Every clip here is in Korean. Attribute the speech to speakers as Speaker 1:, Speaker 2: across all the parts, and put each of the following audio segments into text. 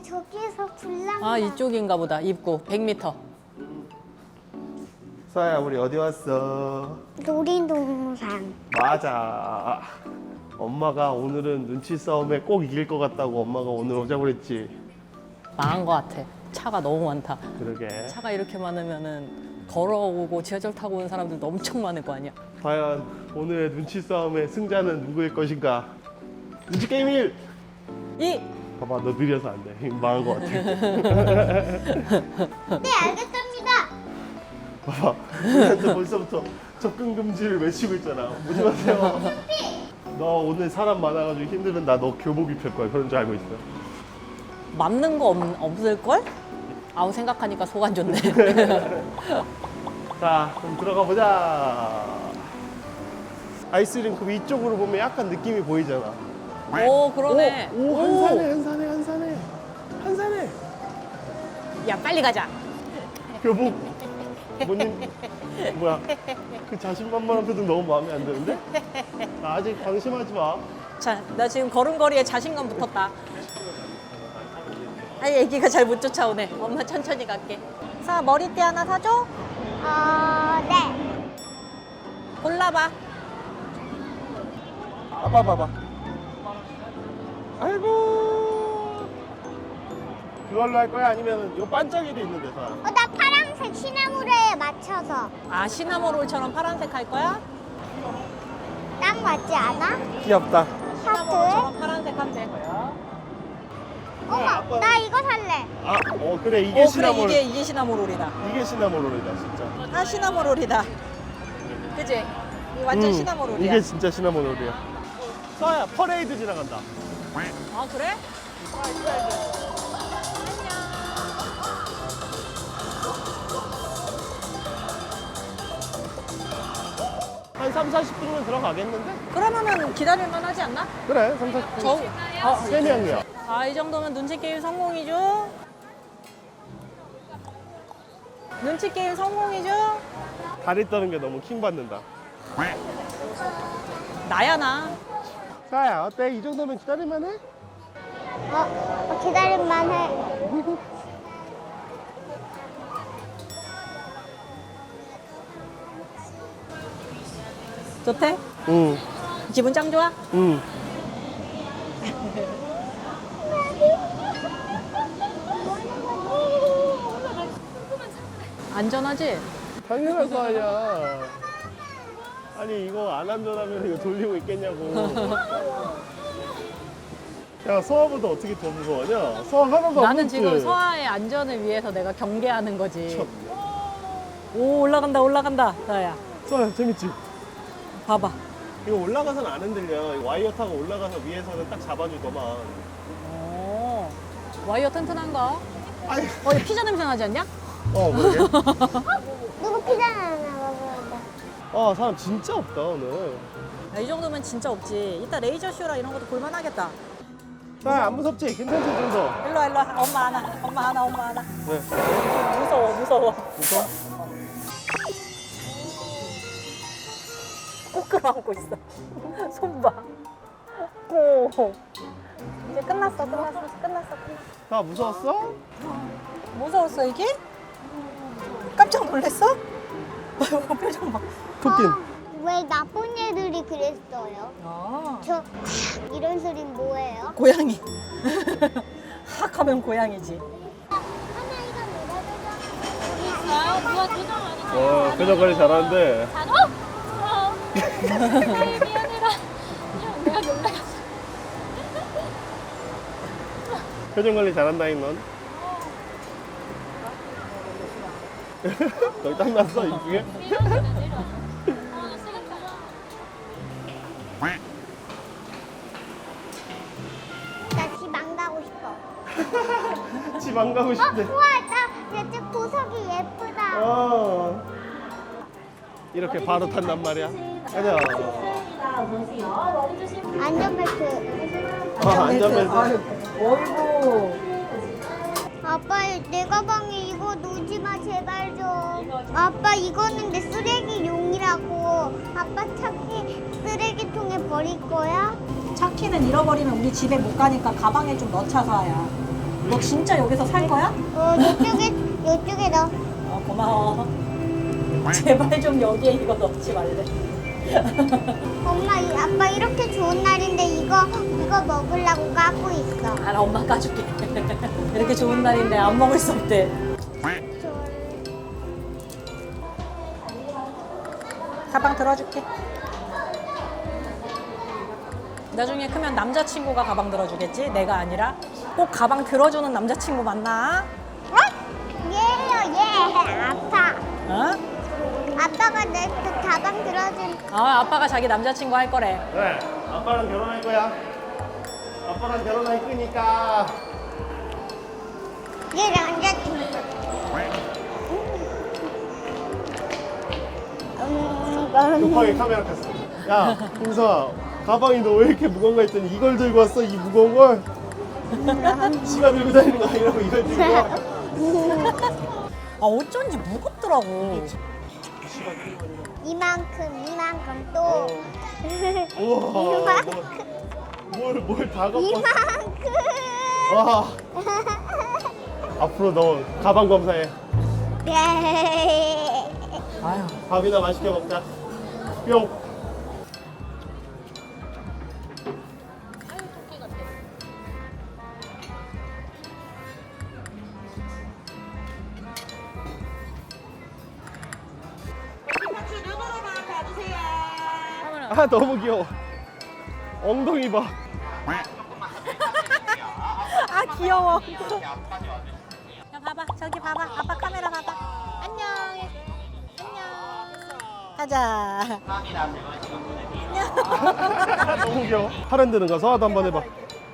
Speaker 1: 저기에서 불난다.
Speaker 2: 아, 이쪽인가 보다. 입구 100m.
Speaker 3: 서아야, 우리 어디 왔어?
Speaker 1: 놀이동산.
Speaker 3: 맞아. 엄마가 오늘은 눈치 싸움에 꼭 이길 것 같다고 엄마가 오늘 오자고 그랬지.
Speaker 2: 망한 것 같아. 차가 너무 많다.
Speaker 3: 그러게.
Speaker 2: 차가 이렇게 많으면은 걸어오고 지하철 타고 오는 사람들도 엄청 많을 거 아니야.
Speaker 3: 과연 오늘의 눈치 싸움의 승자는 누구일 것인가? 눈치 게임 1!
Speaker 2: 이
Speaker 3: 봐봐, 너 느려서 안 돼. 망한 것 같아.
Speaker 1: 네, 알겠습니다.
Speaker 3: 봐봐, 우리한테 벌써부터 접근 금지를 외치고 있잖아. 오지 마세요. 너 오늘 사람 많아가지고 힘들면 나 너 교복 입힐 거야. 그런 줄 알고 있어.
Speaker 2: 맞는 거 없을 걸? 아우 생각하니까 속 안 좋네.
Speaker 3: 자, 그럼 들어가 보자. 아이스링크 위쪽으로 보면 약간 느낌이 보이잖아.
Speaker 2: 오 그러네.
Speaker 3: 오, 한산해.
Speaker 2: 야 빨리 가자.
Speaker 3: 교복. 뭐야? 그 자신만만한 표정 너무 마음에 안 드는데? 나 아직 방심하지 마.
Speaker 2: 자, 나 지금 걸음걸이에 자신감 붙었다. 아, 애기가 잘 못 쫓아오네. 엄마 천천히 갈게. 사 머리띠 하나 사줘.
Speaker 1: 네.
Speaker 2: 골라봐.
Speaker 3: 봐봐. 아이고. 그걸로 할 거야? 아니면 요 반짝이도 있는데, 사.
Speaker 1: 나 파란색 시나무로에 맞춰서.
Speaker 2: 아 시나모롤처럼 파란색 할 거야?
Speaker 1: 딱 맞지 않아?
Speaker 3: 귀엽다.
Speaker 2: 시나모롤처럼 파란색 한대.
Speaker 1: 어머, 나 이거 살래.
Speaker 3: 아, 그래. 이게
Speaker 2: 그래
Speaker 3: 시나몰.
Speaker 2: 이게 시나모롤이다.
Speaker 3: 이게 시나몰롤이다, 진짜.
Speaker 2: 아 시나모롤이다. 그지? 이거 완전 시나모롤이야.
Speaker 3: 이게 진짜 시나몰롤이야. 서아야, 퍼레이드 지나간다.
Speaker 2: 아 그래?
Speaker 3: 한 3, 40분이면 들어가겠는데?
Speaker 2: 그러면은 기다릴만 하지 않나?
Speaker 3: 그래, 3, 40분.
Speaker 2: 저,
Speaker 3: 세 명이야.
Speaker 2: 아, 이 정도면 눈치 게임 성공이죠? 눈치 게임 성공이죠?
Speaker 3: 다리 떠는 게 너무 킹받는다.
Speaker 2: 나야, 나.
Speaker 3: 서아야, 어때? 이 정도면 기다릴만 해?
Speaker 1: 기다릴만 해.
Speaker 2: 좋대?
Speaker 3: 응,
Speaker 2: 기분 짱 좋아?
Speaker 3: 응.
Speaker 2: 안전하지?
Speaker 3: 당연한 서아야. 아니, 이거 안 안전하면 이거 돌리고 있겠냐고. 야, 서아보다 어떻게 더 무서워하냐? 서아 하나도 안
Speaker 2: 나는
Speaker 3: 무섭지?
Speaker 2: 지금 서아의 안전을 위해서 내가 경계하는 거지.
Speaker 3: 참.
Speaker 2: 오, 올라간다, 서아야.
Speaker 3: 서아야, 재밌지?
Speaker 2: 봐봐.
Speaker 3: 이거 올라가서는 안 흔들려. 이거 와이어 타고 올라가서 위에서는 딱 잡아주더만.
Speaker 2: 오, 와이어 튼튼한가?
Speaker 3: 아이,
Speaker 2: 이거 피자 냄새 나지 않냐?
Speaker 3: 그러게.
Speaker 1: 누구 피자 하나 먹어봐.
Speaker 3: 사람 진짜 없다, 오늘.
Speaker 2: 야, 이 정도면 진짜 없지. 이따 레이저쇼라 이런 것도 볼만하겠다.
Speaker 3: 서아야, 안 무섭지? 괜찮지, 좀 더?
Speaker 2: 일로 와. 엄마 하나.
Speaker 3: 네.
Speaker 2: 무서워.
Speaker 3: 무서워?
Speaker 2: 꼭 끌어안고 있어. 손 봐. 오. 이제 끝났어.
Speaker 3: 나 무서웠어?
Speaker 2: 무서웠어, 이게? 깜짝 놀랐어? 아이고, 표정 봐.
Speaker 3: 토끼는?
Speaker 1: 왜 나쁜 애들이 그랬어요?
Speaker 2: 아,
Speaker 1: 이런 소리 뭐예요?
Speaker 2: 고양이. 학 하면 고양이지.
Speaker 3: 표정 관리 잘하는데. 표정 관리 잘한다잉, 넌. 너희 땀났어, 이 중에?
Speaker 1: 나 집 안 가고 싶어.
Speaker 3: 집 안 가고 싶대.
Speaker 1: 우와, 나 이제 보석이 예쁘다.
Speaker 3: 이렇게 바로 탄단 말이야. 가자.
Speaker 1: 안전벨트.
Speaker 3: 안전벨트.
Speaker 2: 어이구.
Speaker 1: 아빠, 내 가방에 이거 놓지 마, 제발 좀. 아빠, 이거는 내 쓰레기용이라고. 아빠 차키 쓰레기통에 버릴 거야?
Speaker 2: 차키는 잃어버리면 우리 집에 못 가니까 가방에 좀 넣자, 서아야. 너 진짜 여기서 살 거야?
Speaker 1: 요쪽에 넣어.
Speaker 2: 고마워. 제발 좀 여기에 이거 넣지 말래.
Speaker 1: 엄마, 아빠 이렇게 좋은 날인데 이거 먹으려고 까고 있어.
Speaker 2: 알아, 엄마 까줄게. 이렇게 좋은 날인데 안 먹을 수 없대. 가방 들어줄게. 나중에 크면 남자친구가 가방 들어주겠지? 내가 아니라. 꼭 가방 들어주는 남자친구 만나?
Speaker 1: 얘요, 얘. 아빠.
Speaker 2: 어?
Speaker 1: 아빠가 내 그 가방 들어준.
Speaker 2: 아빠가 자기 남자친구 할 거래.
Speaker 3: 네, 아빠랑 결혼할 거야. 아빠랑 결혼할 거니까.
Speaker 1: 얘 남자친구.
Speaker 3: 급하게 카메라 켰어. 야, 홍서아, 가방이 너 왜 이렇게 무거운가 했더니 이걸 들고 왔어, 이 무거운 걸? 지가 들고 다니는 거 아니라고 이걸 들고 와.
Speaker 2: 어쩐지 무겁더라고.
Speaker 1: 이만큼 또.
Speaker 3: 우와, 뭘 다 갖고 왔어.
Speaker 1: 이만큼.
Speaker 3: 와, 앞으로 너 가방 검사해.
Speaker 1: 네.
Speaker 2: 아유.
Speaker 3: 밥이나 맛있게 먹자. 뿅. 아, 너무 귀여워. 엉덩이 봐.
Speaker 2: 아, 귀여워. 야, 봐봐. 저기 봐봐. 아빠 카메라 봐봐. 안녕. 안녕. 가자.
Speaker 3: 너무 귀여워. 팔 흔드는 거 서아도 한번 해봐.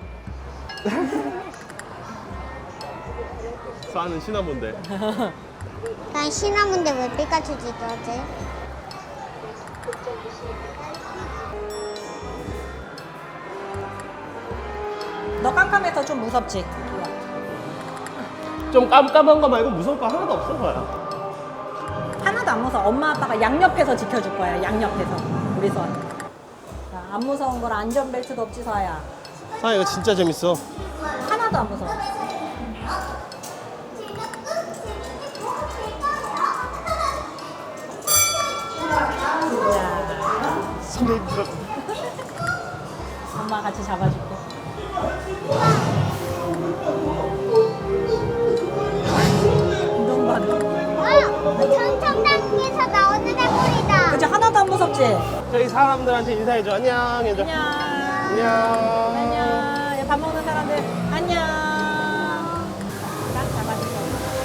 Speaker 3: 서아는 시나몬데.
Speaker 1: 난 시나몬데 왜 피카츄 지도지?
Speaker 2: 너 깜깜해서 좀 무섭지?
Speaker 3: 좀 깜깜한 거 말고 무서울 거 하나도 없어, 서아야.
Speaker 2: 하나도 안 무서워. 엄마 아빠가 양옆에서 지켜줄 거야. 양옆에서. 우리 서아. 자, 안 무서운 걸 안전벨트도 없지, 서아야.
Speaker 3: 서아 이거 진짜 재밌어.
Speaker 2: 하나도 안 무서워.
Speaker 3: 손에 들어.
Speaker 2: 엄마 같이 잡아줄게. 운동반.
Speaker 1: 전청당에서 나오는 애물이다.
Speaker 2: 그치, 하나도 안 무섭지?
Speaker 3: 저희 사람들한테 인사해줘. 안녕 해줘.
Speaker 2: 안녕.
Speaker 3: 안녕.
Speaker 2: 안녕. 밥 먹는 사람들 안녕. 딱 잡아줄게.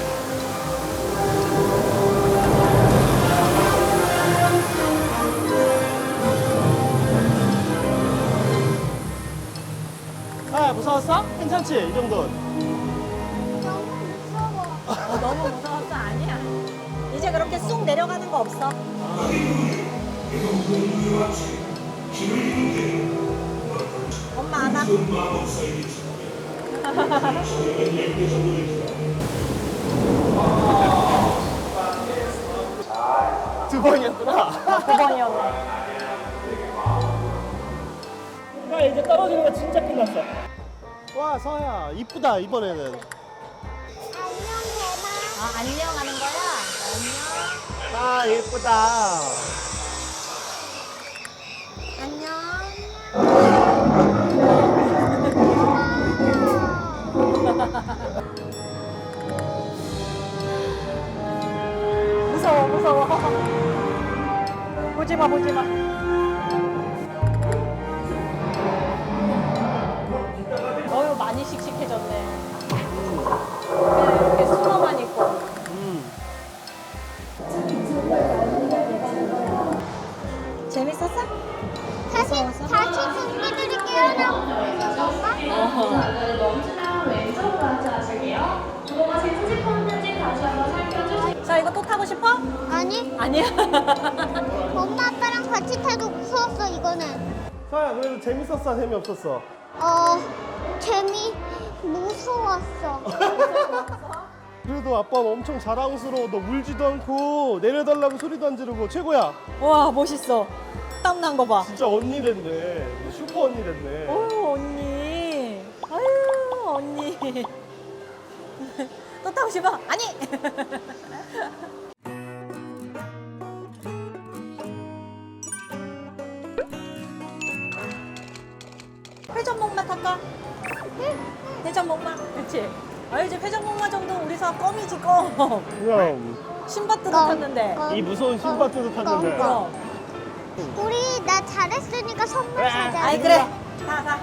Speaker 3: 아, 무서웠어? 괜찮지? 이 정도는.
Speaker 1: 너무 무서워.
Speaker 2: 너무 무서웠어? 아니야. 이제 그렇게 쑥 내려가는 거 없어. 엄마 안아.
Speaker 3: 두 번이었구나.
Speaker 2: 9번이었네.
Speaker 3: 야, 이제 떨어지는 거 진짜 끝났어. 와, 서아야, 이쁘다, 이번에는.
Speaker 1: 안녕, 대마.
Speaker 2: 아, 안녕 하는 거야? 안녕.
Speaker 3: 아, 예쁘다.
Speaker 1: 안녕.
Speaker 2: 무서워, 무서워. 보지 마, 보지 마. 어휴, 많이 씩씩해졌네. 그냥 이렇게 수너만 있고. 재밌었어?
Speaker 1: 다시 승리들이 깨어나고 있는 건가?
Speaker 4: 멈추면 왼쪽으로 앉아주세요. 그동안 제 휴대폰 편집 다시 한번 살펴주세요.
Speaker 2: 자, 이거 또 타고 싶어?
Speaker 1: 아니,
Speaker 2: 아니야.
Speaker 1: 엄마 아빠랑 같이 타도 무서웠어, 이거는.
Speaker 3: 서아야, 그래도 재밌었어, 재미없었어?
Speaker 1: 무서웠어.
Speaker 3: 그래도 아빠는 엄청 자랑스러워. 너 울지도 않고 내려달라고 소리도 안 지르고 최고야.
Speaker 2: 와, 멋있어. 땀난 거 봐.
Speaker 3: 진짜 언니 됐네. 슈퍼 언니 됐네.
Speaker 2: 어휴, 언니. 아유, 언니. 또 타고 싶어? 아니! 회전목마 탈까? 회전목마? 그치? 아, 이제 회전목마 정도 우리서 껌이지, 껌.
Speaker 3: 그럼
Speaker 2: 신밧드도 탔는데.
Speaker 3: 이 무서운 신밧드도 탔는데.
Speaker 2: 그럼.
Speaker 1: 우리 나 잘했으니까 선물 사자.
Speaker 2: 아이, 그래. 가.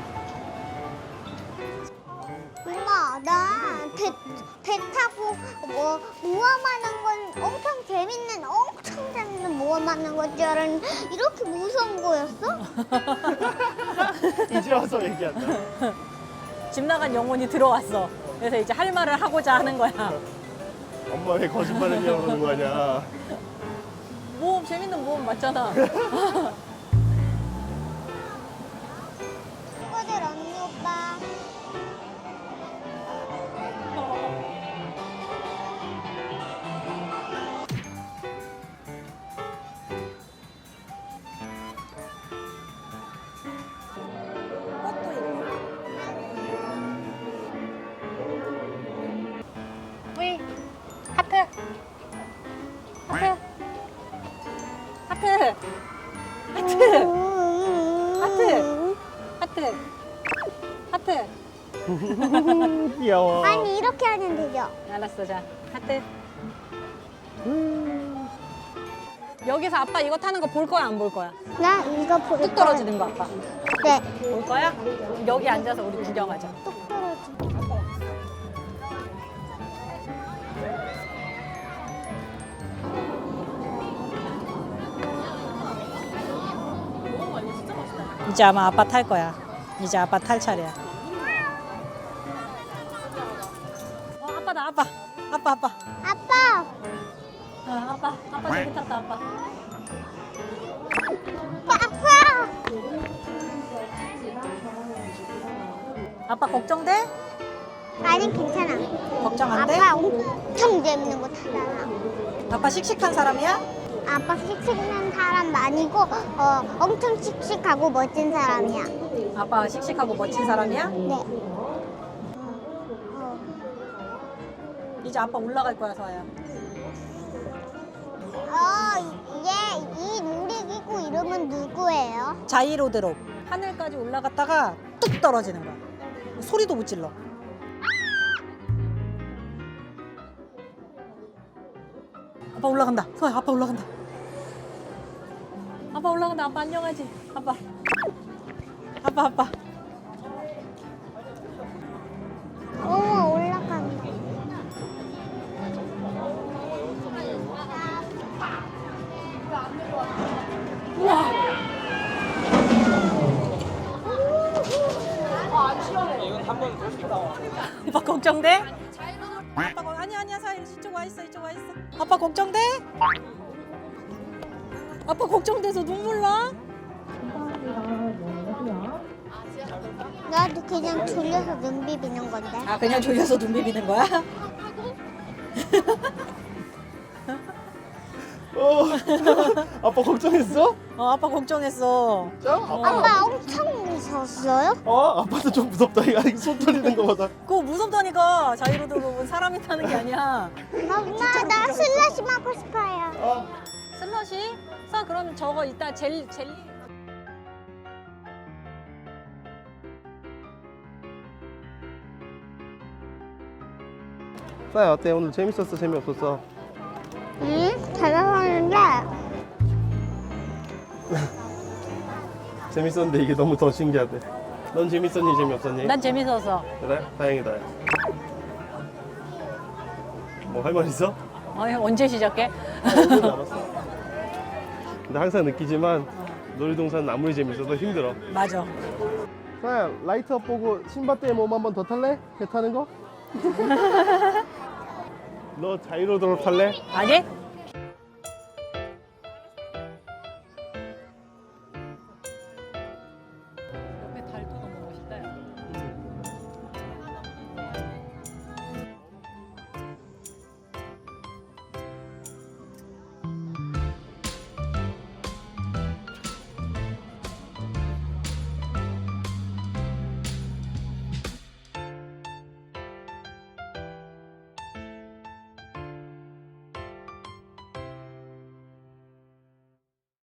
Speaker 1: 엄마, 나 배 타고 뭐 모험하는 건 엄청 재밌는 모험하는 건 줄 알았는데 이렇게 무서운 거였어?
Speaker 3: 이제 와서 얘기한다.
Speaker 2: 집 나간 영혼이 들어왔어. 그래서 이제 할 말을 하고자 하는 거야.
Speaker 3: 엄마 왜 거짓말했냐고 그러는 거 아니야.
Speaker 2: 모험, 재밌는 모험 맞잖아.
Speaker 1: 친구들 언니 오빠.
Speaker 2: 꽃도 있고. 위 하트. 하트. 하트. 하트. 하트. 하트. 하트.
Speaker 3: 귀여워.
Speaker 1: 아니 이렇게 하면 되죠?
Speaker 2: 알았어, 자. 하트. 여기서 아빠 이거 타는 거 볼 거야, 안 볼 거야?
Speaker 1: 나 이거 볼
Speaker 2: 뚝 떨어지는 거 아빠.
Speaker 1: 네.
Speaker 2: 볼 거야? 여기 앉아서 우리 구경하자.
Speaker 1: 뚝 떨어지.
Speaker 2: 이제 아마 아빠 탈 거야. 이제 아빠 탈 차례야. 아빠다, 아빠. 아빠.
Speaker 1: 아빠.
Speaker 2: 아빠 저기 탔다, 아빠.
Speaker 1: 아빠.
Speaker 2: 아빠 걱정돼?
Speaker 1: 아니 괜찮아.
Speaker 2: 걱정 안 돼?
Speaker 1: 아빠 엄청 재밌는 거 타잖아.
Speaker 2: 아빠 씩씩한 사람이야?
Speaker 1: 아빠 씩씩한 사람 아니고 엄청 씩씩하고 멋진 사람이야.
Speaker 2: 아빠 씩씩하고 멋진 사람이야?
Speaker 1: 네.
Speaker 2: 이제 아빠 올라갈 거야, 서아야.
Speaker 1: 이 놀이기구 이름은 누구예요?
Speaker 2: 자이로드롭. 하늘까지 올라갔다가 뚝 떨어지는 거야. 소리도 못 질러. 아빠 올라간다. 서아야, 아빠 올라간다. 아빠 올라간다. 아빠 안녕하지? 아빠.
Speaker 1: 어머 올라간다.
Speaker 2: 아빠 걱정돼? 아빠 아니야 사이 이쪽 와 있어. 아빠 걱정돼? 아빠 걱정돼서 눈물 나?
Speaker 1: 나도 그냥 졸려서 눈 비비는 건데.
Speaker 2: 아 그냥 졸려서 눈 비비는 거야?
Speaker 3: 아빠 걱정했어?
Speaker 2: 아빠 걱정했어.
Speaker 3: 자, 아빠.
Speaker 1: 아빠 엄청 무서웠어요?
Speaker 3: 아빠도 좀 무섭다. 이거 손 떨리는 거보다.
Speaker 2: 그거 무섭다니까. 자이로드롭은 사람이 타는 게 아니야.
Speaker 1: 엄마 나 슬러시 먹고 싶어요.
Speaker 2: 슬러시? 사 그럼 저거 이따 젤리.
Speaker 3: 싸야 어때? 오늘 재밌었어? 재미없었어?
Speaker 1: 응? 잘하는데
Speaker 3: 재밌었는데 이게 너무 더 신기하대. 넌 재밌었니? 재미없었니?
Speaker 2: 난 재밌었어.
Speaker 3: 그래? 다행이다. 뭐 할 말 있어?
Speaker 2: 언제 시작해?
Speaker 3: 오늘 남았어. 근데 항상 느끼지만 놀이동산은 아무리 재밌어도 힘들어.
Speaker 2: 맞아.
Speaker 3: 싸야 라이트업 보고 신밧드의 몸 한 번 더 탈래? 배 타는 거? 너 자이로드롭 탈래?
Speaker 2: 아니?